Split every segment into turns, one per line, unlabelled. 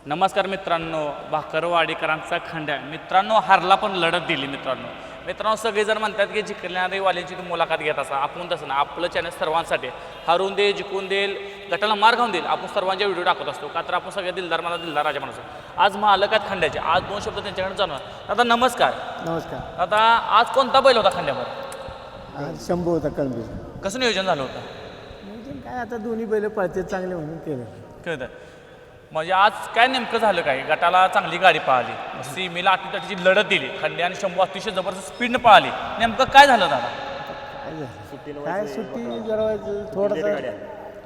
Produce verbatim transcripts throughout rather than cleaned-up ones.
नमस्कार मित्रांनो, भाकरवाडीकरांचा खंड्या मित्रांनो हारला पण लढत दिली. मित्रांनो मित्रांनो सगळेजण म्हणतात की जिंकणारी वाल्यांची तुम्ही मुलाखत घेत असा. आपण तसं ना, आपलं चॅनल सर्वांसाठी हरून दे जिंकून देईल गटाला मार खाऊन देईल आपण सर्वांचे व्हिडिओ टाकत असतो. का तर आपण सगळे दिलदार मला दिलदार राजा माणूस. आज मालकात खंड्याचे आज दोन शब्द त्यांच्याकडे जाणवणार. आता नमस्कार.
नमस्कार.
आता आज कोणता बैल होता खंड्यावर?
आज शंभू होता कळंबी.
कसं नियोजन झालं होतं?
नियोजन काय आता दोन्ही बैल पळते चांगले म्हणून केलं.
कळतं म्हणजे आज काय नेमकं झालं काय? गटाला चांगली गाडी पळाली, सीमेला अटीतटीची लढत दिली, खंडे आणि शंभू अतिशय जबरदस्त स्पीडनं पळाली. नेमकं काय झालं दादा?
काय झालं काय सुट्टी जरा थोडंसं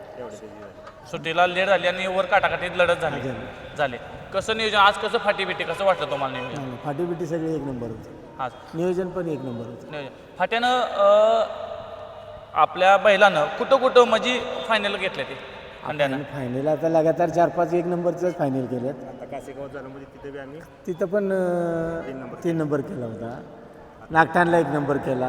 सुट्टीला लेट झाली आणि वर काटाकाटीत लढत झाली झाले. कसं नियोजन आज, कसं फाटी बिटी कसं वाटलं तुम्हाला नियोजन?
फाटी बिटी सगळी एक नंबर होती
आज.
नियोजन पण एक नंबर होतं.
नियोजन फाट्यानं आपल्या बैलानं कुठं कुठं म्हणजे फायनल घेतले ते खंड्यानं?
फायनल आता लगातार चार पाच एक नंबरच फायनल केलेत.
आता कासेगाव झालं म्हणजे तिथे बी आम्ही
तिथं पण अं, तीन नंबर केला होता. नागठाणला एक नंबर केला.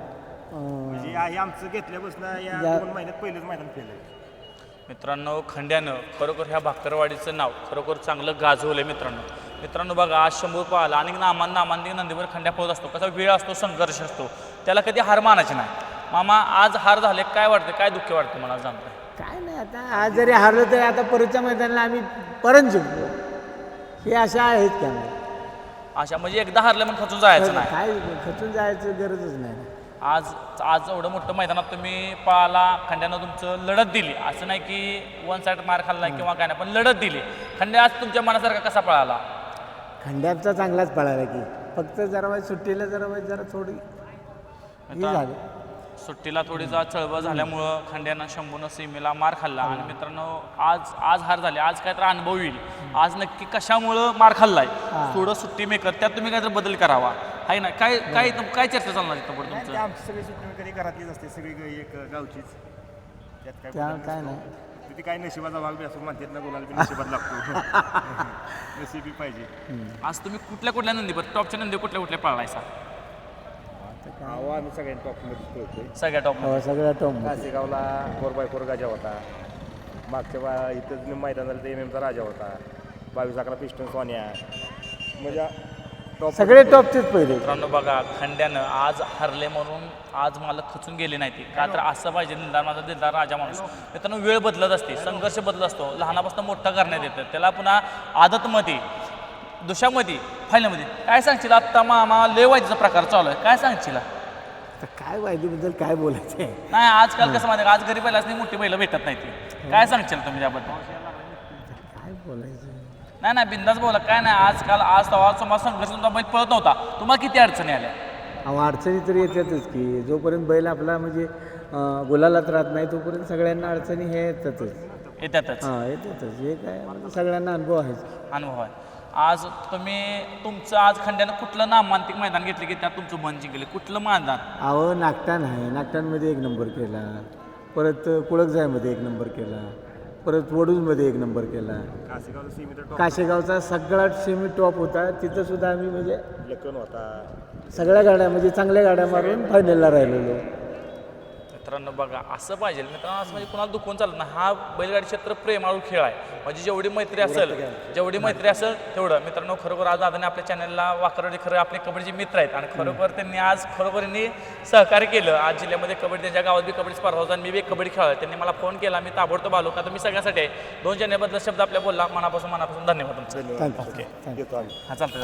अं,
म्हणजे या- हे आमचं घेतल्यापासून या
या-
दोन महिन्यात पहिलंच मैदान केलं.
मित्रांनो खंड्यानं खरोखर ह्या भाकरवाडीचं नाव खरोखर चांगलं गाजवलं. मित्रांनो मित्रांनो बघा आज शंभू पाहिला आणि नामान नामांनी नंदीवर खंड्या पळत असतो. कसा वेळ असतो, संघर्ष असतो, त्याला कधी हार मानायची नाही. मामा आज हार झाले, काय वाटतं, काय दुःख वाटतं मला जाणतं?
काय नाही आता आज जरी हारलो तरी आता परतच्या मैदानाला आम्ही परत जिंकलो. हे अशा आहेत का नाही?
अशा म्हणजे एकदा हारलं म्हणून खचून जायचं नाही.
काय खचून जायचं गरजच नाही.
आज आज एवढं मोठं मैदानात तुम्ही पळाला, खंड्यानं तुमचं लढत दिली. असं नाही की वन साईड मार खाल्ला किंवा काय नाही, पण लढत दिली. खंड्या आज तुमच्या मनासारखा कसा पळाला?
खंड्याचा चांगलाच पळाला की फक्त जरा वाईट सुट्टीला जरा वाईट जरा थोडी हे झाली.
सुट्टीला थोडीसा चळवळ झाल्यामुळं खंड्यानं शंभूनं सीमेला मार खाल्ला. आणि मित्रांनो आज आज हार झाली. आज काय तर अनुभव येईल आज नक्की कशामुळं मार खाल्लाय. थोडं सुट्टी मेकर त्यात तुम्ही काहीतरी बदल करावा आहे ना. काय काय काय चर्चा चालणार इथं पुढे
नाही, ते
तुमचं?
आमची सगळी सुट्टी कधी घरातलीच असते, सगळी ग- एक गावचीच. त्यात काय
त्या
बदल
काय
नसतो.
नाही.
तिथे काय नशिबाचा भाग बी असं म्हणतात ना, गुलाल बी नशिबात लागतो. नशिबी पाहिजे.
आज तुम्ही कुठल्या कुठल्या नंदीवर टॉपच्या नंदी कुठल्या कुठल्या पळायचा?
अहो, आम्ही सगळ्यांनी टॉपमध्ये पळतोय.
सगळ्या टॉप
हो, सगळ्या टोम
कासेगावला फोर बाय फोर गाजा होता. मागच्या बा इथंच मैदान झालं तर एम एमचा राजा होता. बावीस अकरा पिस्टन सोन्या म्हणजे टॉप
सगळे टॉपचेच पहिले.
मित्रांनो बघा खंड्यानं आज हरले म्हणून आज मला खचून गेले नाही. ती का तर असं पाहिजे दिलदार माझा दिलदार राजा माणूस. मित्रांनो वेळ बदलत असते, संघर्ष बदलत असतो, लहानापासून मोठा करण्यात येतं. त्याला पुन्हा आदतमध्ये दुशामध्ये फायनलमध्ये काय सांगशील? आत्ता मामा लेवायचा प्रकार चालू आहे, काय सांगशील?
आता काय वायदीबद्दल काय बोलायचं आहे?
नाही आजकाल कसं माहिती आज घरी पहिलाच नाही, मोठी बैलं भेटत नाही. ती काय सांगशील तुम्ही त्याबद्दल?
काय बोलायचं?
नाही नाही बिंदास बोला, काय नाही. आजकाल आज तवा समाज संघर्ष तुमचा बैल पळत नव्हता, तुम्हाला किती अडचणी आल्या?
अहो अडचणी तर येतातच की जोपर्यंत बैल आपला म्हणजे अं, गुलालात राहत नाही तोपर्यंत सगळ्यांना अडचणी हे येतातच.
येतातच
हां येतातच. हे काय म्हणजे सगळ्यांना अनुभव आहेच.
अनुभव आहे. आज तुम्ही तुमचं आज खंड्यानं कुठलं नामांतिक मैदान घेतलं की त्यात तुमचं मन जिंकले? कुठलं मैदान?
अहो नागटाण आहे, नागटाणमध्ये एक नंबर केला. परत कुळकजायमध्ये एक नंबर केला. परत वडूजमध्ये एक नंबर केला.
कासेगावला सीमित टॉप
काशेगावचा सगळा सेमी टॉप होता. तिथं सुद्धा आम्ही म्हणजे
लकन होता.
सगळ्या गाड्या म्हणजे चांगल्या गाड्या मारून फायनलला राहिलेलो.
मित्रांनो बघा असं पाहिजे. मित्रांनो असं म्हणजे कुणाला दुखून चालत नाही. हा बैलगाडी क्षेत्र प्रेमाळू खेळ आहे. म्हणजे जेवढी मैत्री असेल जेवढी मैत्री असेल तेवढं. मित्रांनो खरोखर आज दादाने आपल्या चॅनलला वाकरवाडी खरं आपले कबड्डीचे मित्र आहेत आणि खरोखर त्यांनी आज खरोखर यांनी सहकार्य केलं. आज जिल्ह्यामध्ये कबड्डी त्यांच्या गावात बी कबड्डी स्पर्धा होता आणि मी बी एक कबड्डी खेळालो. त्यांनी मला फोन केला, मी ताबडतोब आलो. का तर मी सगळ्यासाठी आहे. दोन चॅनलबद्दल शब्द आपल्या बोलला, मनापासून मनापासून धन्यवाद तुमचं.
थँक्यू.
येतो आम्ही.
हा चालतं.